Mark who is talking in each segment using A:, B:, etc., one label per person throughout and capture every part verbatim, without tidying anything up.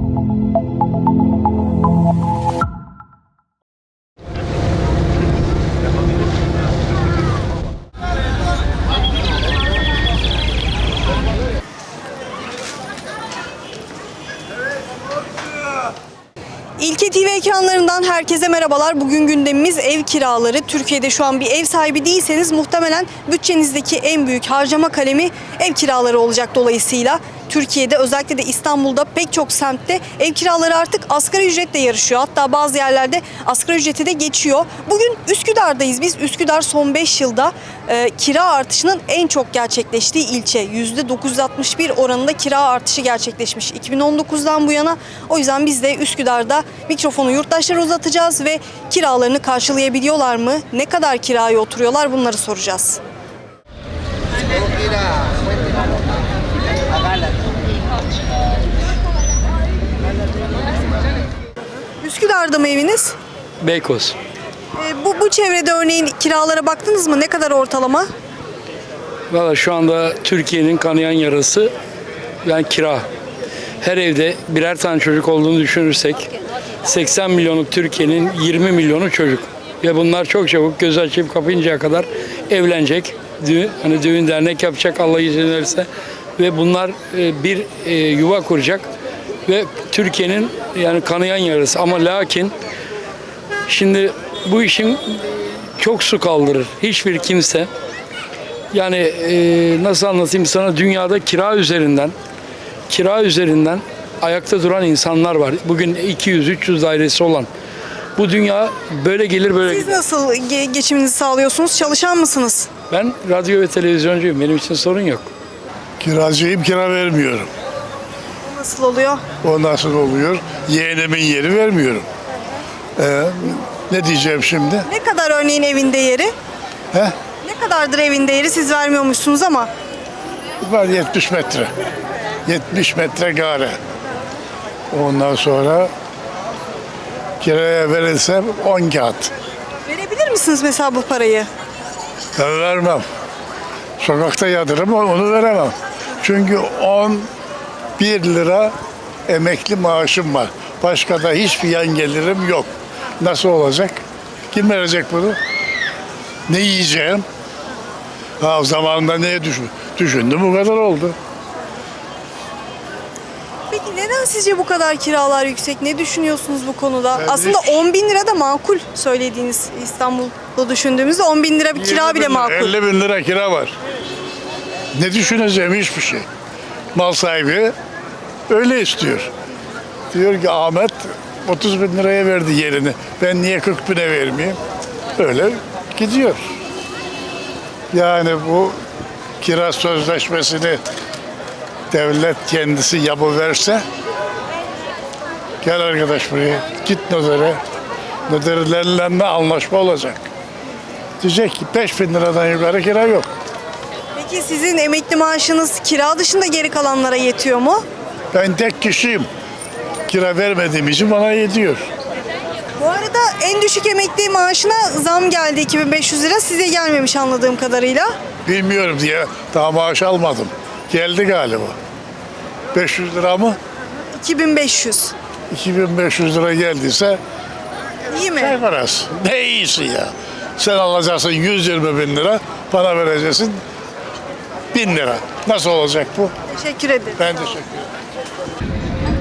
A: İlke T V ekranlarından herkese merhabalar. Bugün gündemimiz ev kiraları. Türkiye'de şu an bir ev sahibi değilseniz muhtemelen bütçenizdeki en büyük harcama kalemi ev kiraları olacak dolayısıyla. Türkiye'de özellikle de İstanbul'da pek çok semtte ev kiraları artık asgari ücretle yarışıyor. Hatta bazı yerlerde asgari ücreti de geçiyor. Bugün Üsküdar'dayız biz. Üsküdar son beş yılda e, kira artışının en çok gerçekleştiği ilçe. yüzde dokuz yüz altmış bir oranında kira artışı gerçekleşmiş iki bin on dokuzdan bu yana. O yüzden biz de Üsküdar'da mikrofonu yurttaşlara uzatacağız ve kiralarını karşılayabiliyorlar mı? Ne kadar kiraya oturuyorlar? Bunları soracağız. Üsküdar'da mı eviniz?
B: Beykoz.
A: E, bu, bu çevrede örneğin kiralara baktınız mı? Ne kadar ortalama?
B: Valla şu anda Türkiye'nin kanayan yarası yani kira. Her evde birer tane çocuk olduğunu düşünürsek seksen milyonluk Türkiye'nin yirmi milyonu çocuk. Ve bunlar çok çabuk göz açıp kapayıncaya kadar evlenecek. Düğün, hani düğün dernek yapacak Allah izin verirse. Ve bunlar e, bir e, yuva kuracak. Ve Türkiye'nin yani kanayan yarası. Ama lakin şimdi bu işin çok su kaldırır. Hiçbir kimse yani e, nasıl anlatayım sana, dünyada kira üzerinden kira üzerinden ayakta duran insanlar var. Bugün iki yüz üç yüz dairesi olan. Bu dünya böyle gelir böyle
A: Siz
B: gider.
A: nasıl ge- geçiminizi sağlıyorsunuz? Çalışan mısınız?
B: Ben radyo ve televizyoncuyum. Benim için sorun yok.
C: Kiracıyım, kira vermiyorum.
A: Nasıl oluyor?
C: O nasıl oluyor? Yeğenimin yeri vermiyorum. Ee, ne diyeceğim şimdi?
A: Ne kadar örneğin evin değeri?
C: He?
A: Ne kadardır evin değeri? Siz vermiyormuşsunuz ama.
C: Var yetmiş metre. yetmiş metre gare. Ondan sonra kiraya verilse on kağıt.
A: Verebilir misiniz mesela bu parayı?
C: Ben vermem. Sokakta yatırım onu veremem. Çünkü on bir lira emekli maaşım var. Başka da hiçbir yan gelirim yok. Nasıl olacak? Kim verecek bunu? Ne yiyeceğim? Ha, zamanında neye düşün, düşündüm bu kadar oldu.
A: Peki neden sizce bu kadar kiralar yüksek? Ne düşünüyorsunuz bu konuda?
C: Ben
A: Aslında
C: hiç-
A: on bin lira da makul söylediğiniz, İstanbul'da düşündüğümüzde on bin lira bir kira
C: yirmi
A: bile
C: bin lira,
A: makul.
C: elli bin lira kira var. Ne düşüneceğim hiçbir şey. Mal sahibi öyle istiyor. Diyor ki Ahmet otuz bin liraya verdi yerini. Ben niye kırk bine vermeyeyim? Öyle gidiyor. Yani bu kira sözleşmesini devlet kendisi yapıverse, gel arkadaş buraya, git notere. Noterlerle anlaşma olacak. Diyecek ki beş bin liradan yukarı kira yok.
A: Peki sizin emekli maaşınız kira dışında geri kalanlara yetiyor mu?
C: Ben tek kişiyim. Kira vermediğim için bana yetiyor.
A: Bu arada en düşük emekli maaşına zam geldi, iki bin beş yüz lira. Size gelmemiş anladığım kadarıyla.
C: Bilmiyorum diye daha maaş almadım. Geldi galiba. beş yüz lira mı?
A: iki bin beş yüz.
C: iki bin beş yüz lira geldiyse
A: İyi mi?
C: ne parası? Ne iyisi ya. Sen alacaksın yüz yirmi bin lira, bana vereceksin bin lira. Nasıl olacak bu?
A: Teşekkür ederim.
C: Ben teşekkür ederim.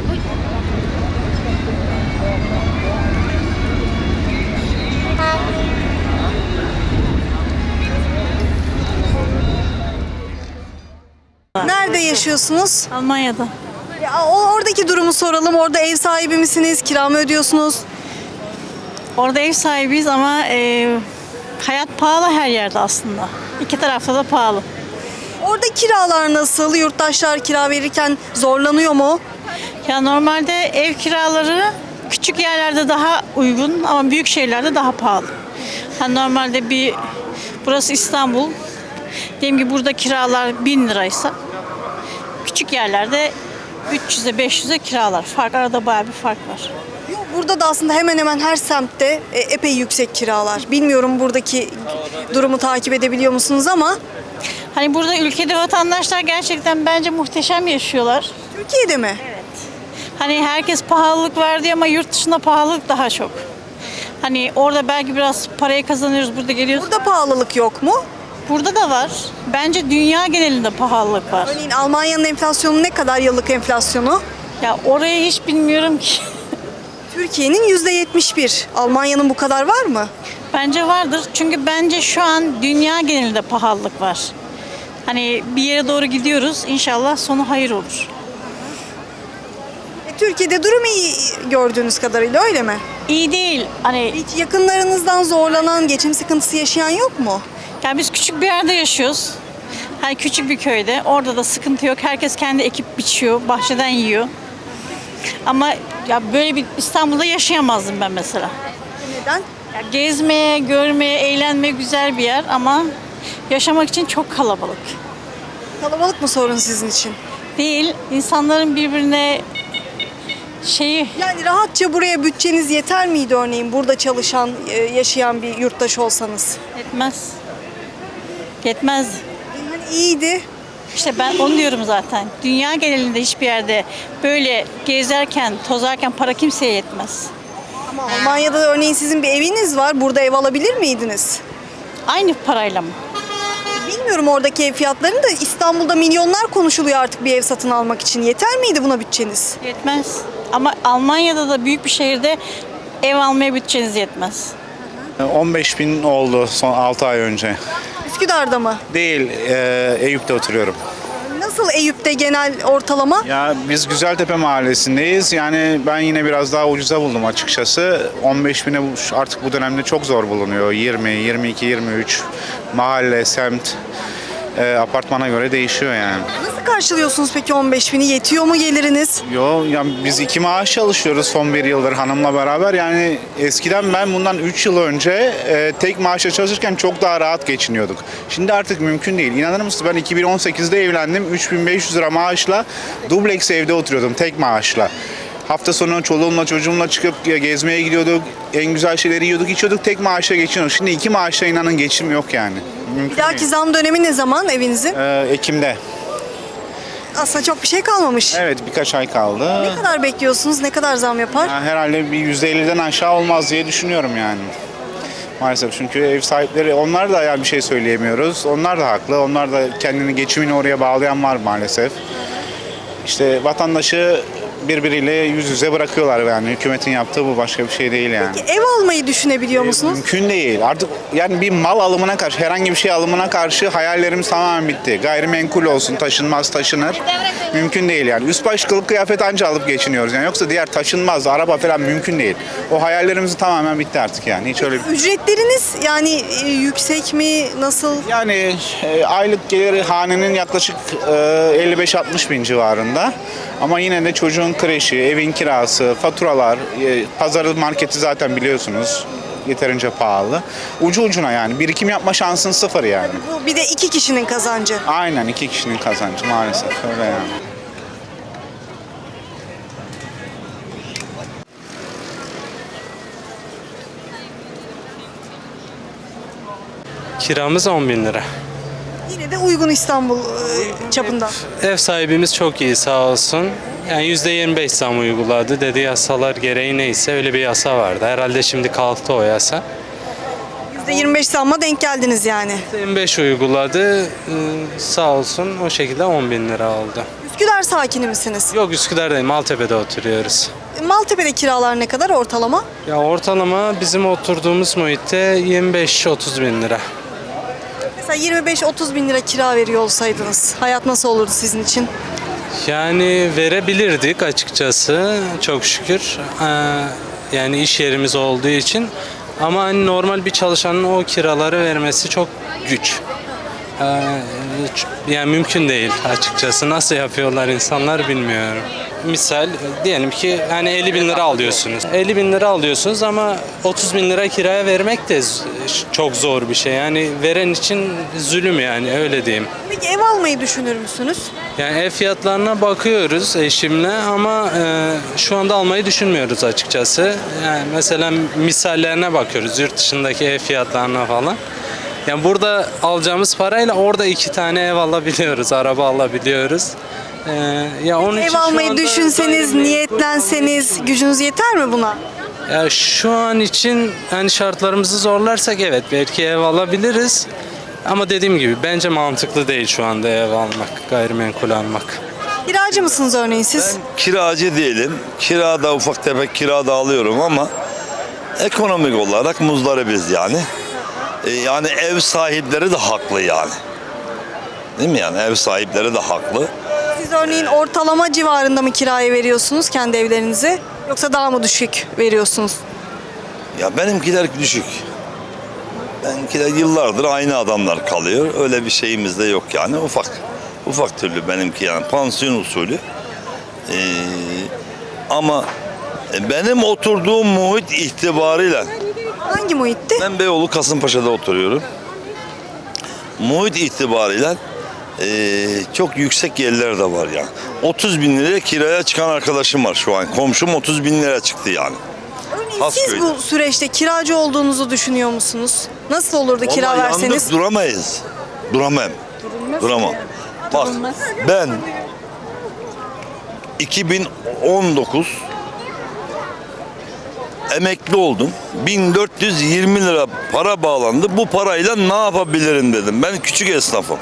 A: Nerede yaşıyorsunuz?
D: Almanya'da.
A: Ya, o- oradaki durumu soralım. Orada ev sahibi misiniz? Kira mı ödüyorsunuz?
D: Orada ev sahibiyiz ama e, hayat pahalı her yerde aslında. İki tarafta da pahalı.
A: Orada kiralar nasıl? Yurttaşlar kira verirken zorlanıyor mu?
D: Ya normalde ev kiraları küçük yerlerde daha uygun ama büyük şehirlerde daha pahalı. Ha, normalde bir burası İstanbul. Diyelim ki burada kiralar bin liraysa küçük yerlerde üç yüze beş yüze kiralar. Fark arada bayağı bir fark var.
A: Yok, burada da aslında hemen hemen her semtte e, epey yüksek kiralar. Bilmiyorum buradaki durumu takip edebiliyor musunuz ama
D: Hani burada ülkede vatandaşlar gerçekten bence muhteşem yaşıyorlar.
A: Türkiye'de mi?
D: Hani herkes pahalılık verdi ama yurt dışında pahalılık daha çok. Hani orada belki biraz parayı kazanıyoruz, burada geliyoruz.
A: Burada pahalılık yok mu?
D: Burada da var. Bence dünya genelinde pahalılık var.
A: Örneğin Almanya'nın enflasyonu ne kadar, yıllık enflasyonu?
D: Ya orayı hiç bilmiyorum ki.
A: Türkiye'nin yüzde yetmiş bir. Almanya'nın bu kadar var mı?
D: Bence vardır. Çünkü bence şu an dünya genelinde pahalılık var. Hani bir yere doğru gidiyoruz. İnşallah sonu hayır olur.
A: E, Türkiye'de durum iyi gördüğünüz kadarıyla, öyle mi?
D: İyi değil. Hani
A: Hiç yakınlarınızdan zorlanan, geçim sıkıntısı yaşayan yok mu?
D: yani biz küçük bir yerde yaşıyoruz. Hani küçük bir köyde. Orada da sıkıntı yok. Herkes kendi ekip biçiyor, bahçeden yiyor. Ama ya böyle bir İstanbul'da yaşayamazdım ben mesela.
A: Neden?
D: Ya gezmeye, görmeye, eğlenmeye güzel bir yer ama yaşamak için çok kalabalık.
A: Kalabalık mı sorun sizin için?
D: Değil, insanların birbirine şeyi
A: Yani rahatça buraya bütçeniz yeter miydi örneğin burada çalışan, e, yaşayan bir yurttaş olsanız?
D: yetmez. Yetmez.
A: Yani iyiydi.
D: İşte ben onu diyorum zaten. Dünya genelinde hiçbir yerde böyle gezerken, tozarken para kimseye yetmez.
A: Ama Almanya'da örneğin sizin bir eviniz var. Burada ev alabilir miydiniz?
D: Aynı parayla mı?
A: Bilmiyorum oradaki ev fiyatlarını da, İstanbul'da milyonlar konuşuluyor artık bir ev satın almak için. Yeter miydi buna bütçeniz?
D: Yetmez. Ama Almanya'da da büyük bir şehirde ev almaya bütçeniz yetmez.
E: on beş bin oldu son altı ay önce.
A: Üsküdar'da mı?
E: Değil, e, Eyüp'te oturuyorum.
A: Nasıl Eyüp'te genel ortalama?
E: Ya biz Güzeltepe mahallesindeyiz. Yani ben yine biraz daha ucuza buldum açıkçası. on beş bine bu- artık bu dönemde çok zor bulunuyor. yirmi, yirmi iki, yirmi üç mahalle, semt, e, apartmana göre değişiyor yani.
A: Nasıl karşılıyorsunuz peki on beş bini? Yetiyor mu geliriniz?
E: Yo, ya biz iki maaş çalışıyoruz son bir yıldır hanımla beraber. Yani eskiden ben bundan üç yıl önce e, tek maaşla çalışırken çok daha rahat geçiniyorduk. Şimdi artık mümkün değil. İnanır mısınız, ben iki bin on sekizde evlendim. üç bin beş yüz lira maaşla dubleks evde oturuyordum tek maaşla. Hafta sonu çoluğumla çocuğumla çıkıp gezmeye gidiyorduk. En güzel şeyleri yiyorduk, içiyorduk. Tek maaşla geçiniyorduk. Şimdi iki maaşla inanın geçim yok yani. Mümkün
A: Bir dahaki
E: değil.
A: zam dönemi ne zaman evinizin?
E: Ee, Ekim'de.
A: Aslında çok bir şey kalmamış.
E: Evet, birkaç ay kaldı.
A: Ne kadar bekliyorsunuz? Ne kadar zam yapar?
E: Ya herhalde bir yüzde elliden aşağı olmaz diye düşünüyorum yani. Maalesef, çünkü ev sahipleri, onlar da yani bir şey söyleyemiyoruz. Onlar da haklı. Onlar da kendini, geçimini oraya bağlayan var maalesef. İşte vatandaşı birbiriyle yüz yüze bırakıyorlar yani. Hükümetin yaptığı bu, başka bir şey değil yani.
A: Ev almayı düşünebiliyor musunuz?
E: Mümkün değil. Artık yani bir mal alımına karşı, herhangi bir şey alımına karşı hayallerimiz tamamen bitti. Gayrimenkul olsun, taşınmaz, taşınır. Mümkün değil yani. Üst baş kılık kıyafet anca alıp geçiniyoruz yani. Yoksa diğer taşınmaz, araba falan mümkün değil. O hayallerimiz tamamen bitti artık yani. Hiç öyle bir...
A: Ücretleriniz yani e, yüksek mi? Nasıl?
E: Yani e, aylık geliri hanenin yaklaşık e, elli beş altmış bin civarında. Ama yine de çocuğun kreşi, evin kirası, faturalar, e, pazarı, marketi zaten biliyorsunuz yeterince pahalı. Ucu ucuna yani. Birikim yapma şansın sıfır yani.
A: Bu bir de iki kişinin kazancı.
E: Aynen, iki kişinin kazancı maalesef öyle yani.
F: Kiramız on bin lira.
A: Yine de uygun İstanbul e, çapında.
F: Ev sahibimiz çok iyi sağ olsun. Yani yüzde yirmi beş zam uyguladı. Dedi yasalar gereği neyse öyle bir yasa vardı. Herhalde şimdi kalktı o yasa.
A: yüzde yirmi beş zamma denk geldiniz yani.
F: yirmi beş uyguladı. Ee, Sağ olsun o şekilde on bin lira oldu.
A: Üsküdar sakini misiniz?
F: Yok, Üsküdar'dayım. Maltepe'de oturuyoruz.
A: Maltepe'de kiralar ne kadar ortalama?
F: Ya ortalama bizim oturduğumuz muhitte yirmi beş otuz bin lira.
A: Mesela yirmi beş otuz bin lira kira veriyor olsaydınız hayat nasıl olurdu sizin için?
F: Yani verebilirdik açıkçası, çok şükür. Ee, yani iş yerimiz olduğu için. Ama hani normal bir çalışanın o kiraları vermesi çok güç. Ee, yani mümkün değil açıkçası. Nasıl yapıyorlar insanlar bilmiyorum. Misal diyelim ki hani elli bin lira alıyorsunuz. elli bin lira alıyorsunuz ama otuz bin lira kiraya vermek de z- çok zor bir şey. Yani veren için zulüm, yani öyle diyeyim.
A: Peki ev almayı düşünür müsünüz?
F: Yani ev fiyatlarına bakıyoruz eşimle ama e, şu anda almayı düşünmüyoruz açıkçası. Yani mesela misallerine bakıyoruz, yurt dışındaki ev fiyatlarına falan. Yani burada alacağımız parayla orada iki tane ev alabiliyoruz, araba alabiliyoruz. Ee, ya onun için
A: Ev
F: şu
A: almayı
F: anda
A: düşünseniz,
F: gayrimenkul-
A: niyetlenseniz gücünüz yeter mi buna?
F: Ya şu an için hani şartlarımızı zorlarsak evet belki ev alabiliriz. Ama dediğim gibi bence mantıklı değil şu anda ev almak, gayrimenkul almak.
A: Kiracı mısınız örneğin siz?
G: Kiracı değilim. Kirada ufak tefek kirada alıyorum ama ekonomik olarak muzdaribiz yani. E, yani ev sahipleri de haklı yani. Değil mi yani ev sahipleri de haklı.
A: Siz örneğin ortalama civarında mı kiraya veriyorsunuz kendi evlerinizi? Yoksa daha mı düşük veriyorsunuz?
G: Ya benimkiler düşük. Benimkiler yıllardır aynı adamlar kalıyor. Öyle bir şeyimiz de yok yani ufak. Ufak türlü benimki yani pansiyon usulü. Ee, ama benim oturduğum muhit itibariyle
A: Hangi muhitti?
G: ben Beyoğlu Kasımpaşa'da oturuyorum. Muhit itibariyle eee, çok yüksek yerler de var yani. otuz bin liraya kiraya çıkan arkadaşım var şu an. Komşum otuz bin liraya çıktı yani.
A: Örneğin
G: Has
A: siz
G: köyde.
A: bu süreçte kiracı olduğunuzu düşünüyor musunuz? Nasıl olurdu kira
G: Vallahi
A: verseniz?
G: yandık, duramayız. Duramam. Duramam. Bak ben iki bin on dokuz emekli oldum. bin dört yüz yirmi lira para bağlandı. Bu parayla ne yapabilirim dedim. Ben küçük esnafım.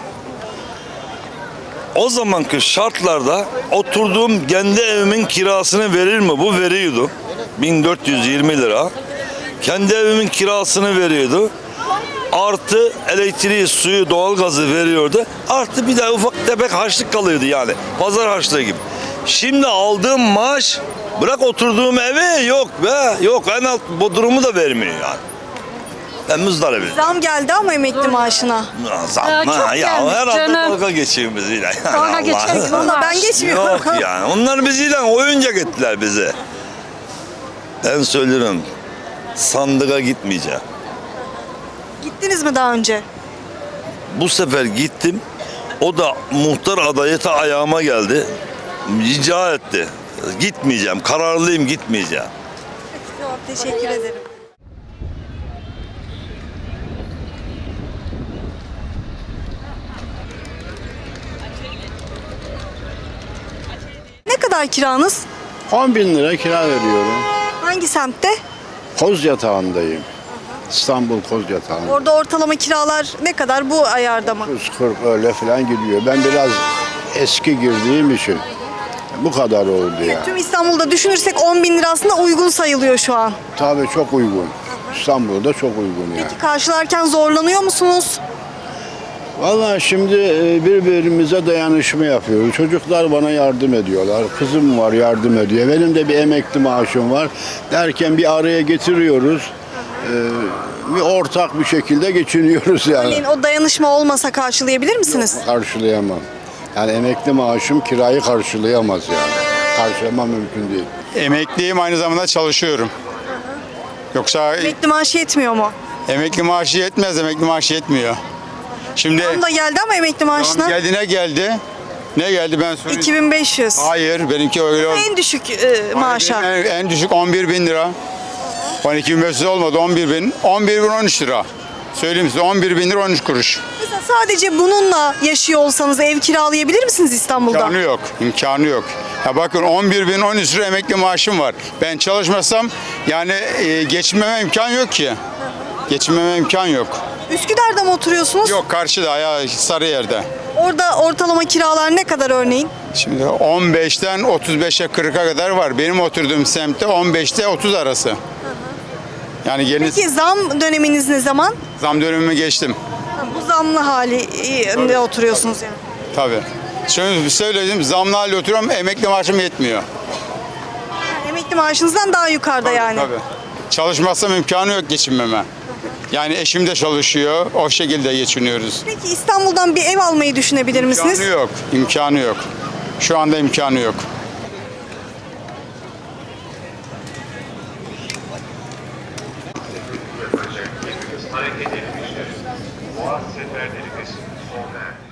G: O zamanki şartlarda oturduğum kendi evimin kirasını verir mi? Bu veriyordu. bin dört yüz yirmi lira. Kendi evimin kirasını veriyordu. Artı elektriği, suyu, doğalgazı veriyordu. Artı bir de ufak tefek harçlık kalıyordu yani. Pazar harçlığı gibi. Şimdi aldığım maaş bırak oturduğum evi yok be. Yok en alt bodrumu da vermiyor yani. Ben muzdaribim.
A: Zam geldi ama emekli maaşına.
G: Zam
H: Ya
G: ha,
H: çok
G: ya
H: gelmiş
G: herhalde
H: canım.
G: dalga geçiyor bizle.
H: Dalga geçer.
A: Valla ben geçmiyorum.
G: Yok yani. Onlar bizle oyuncak ettiler bize. Ben söylüyorum. Sandığa gitmeyeceğim.
A: Gittiniz mi daha önce?
G: Bu sefer gittim. O da muhtar adayı ta ayağıma geldi. Rica etti. Gitmeyeceğim. Kararlıyım gitmeyeceğim.
A: Teşekkür ederim. Ne kadar kiranız?
I: on bin lira kira veriyorum.
A: Hangi semtte?
I: Koz yatağındayım. İstanbul Koz yatağında.
A: Orada ortalama kiralar ne kadar bu ayarda mı?
I: yüz kırk öyle falan gidiyor. Ben biraz eski girdiğim için bu kadar oldu ya.
A: Tüm İstanbul'da düşünürsek on bin lira aslında uygun sayılıyor şu an.
I: Tabii çok uygun. İstanbul'da çok uygun yani.
A: Karşılarken zorlanıyor musunuz?
I: Vallahi şimdi e, birbirimize dayanışma yapıyoruz. Çocuklar bana yardım ediyorlar. Kızım var yardım ediyor. Benim de bir emekli maaşım var. Derken bir araya getiriyoruz. E, bir ortak bir şekilde geçiniyoruz yani.
A: Örneğin o dayanışma olmasa karşılayabilir misiniz?
I: Karşılayamam. Yani emekli maaşım kirayı karşılayamaz yani. Karşılamam mümkün değil.
J: Emekliyim, aynı zamanda çalışıyorum. Yoksa
A: Emekli maaşı yetmiyor mu?
J: emekli maaşı yetmez, emekli maaşı yetmiyor. Şimdi
A: Tam da geldi ama emekli maaşına
J: geldi, ne geldi? Ne geldi ben söyleyeyim.
A: iki bin beş yüz.
J: Hayır, benimki öyle oldu.
A: En düşük e, maaşa.
J: En, en düşük on bir bin lira. on iki bin beş yüz olmadı, on bir bin. on bir bin on üç lira. Söyleyeyim size, on bir bin lira on üç kuruş.
A: Mesela sadece bununla yaşıyor olsanız ev kiralayabilir misiniz İstanbul'da?
J: İmkanı yok, imkanı yok. Ya bakın on bir bin on üç lira emekli maaşım var. Ben çalışmasam yani e, geçinmeme imkan yok ki. Geçinmeme imkan yok.
A: Üsküdar'da mı oturuyorsunuz?
J: Yok, karşıda ya, Sarıyer'de.
A: Orada ortalama kiralar ne kadar örneğin?
J: Şimdi on beşten otuz beşe kırka kadar var. Benim oturduğum semtte on beşte otuz arası. Yani gelin
A: Peki zam döneminiz ne zaman?
J: zam dönemimi geçtim.
A: Ha, bu zamlı hali e, ne oturuyorsunuz yani?
J: Tabii. Şöyle söyleyeyim, zamlı halde oturuyorum, emekli maaşım yetmiyor.
A: Emekli maaşınızdan daha yukarıda yani.
J: Tabii. Çalışmazsam imkanı yok geçinmeme. Yani eşim de çalışıyor, o şekilde geçiniyoruz.
A: Peki İstanbul'dan bir ev almayı düşünebilir misiniz?
J: İmkanı yok, imkanı yok. Şu anda imkanı yok.
K: Hareket edilmiştir. Boğaz seferleri sona erdi.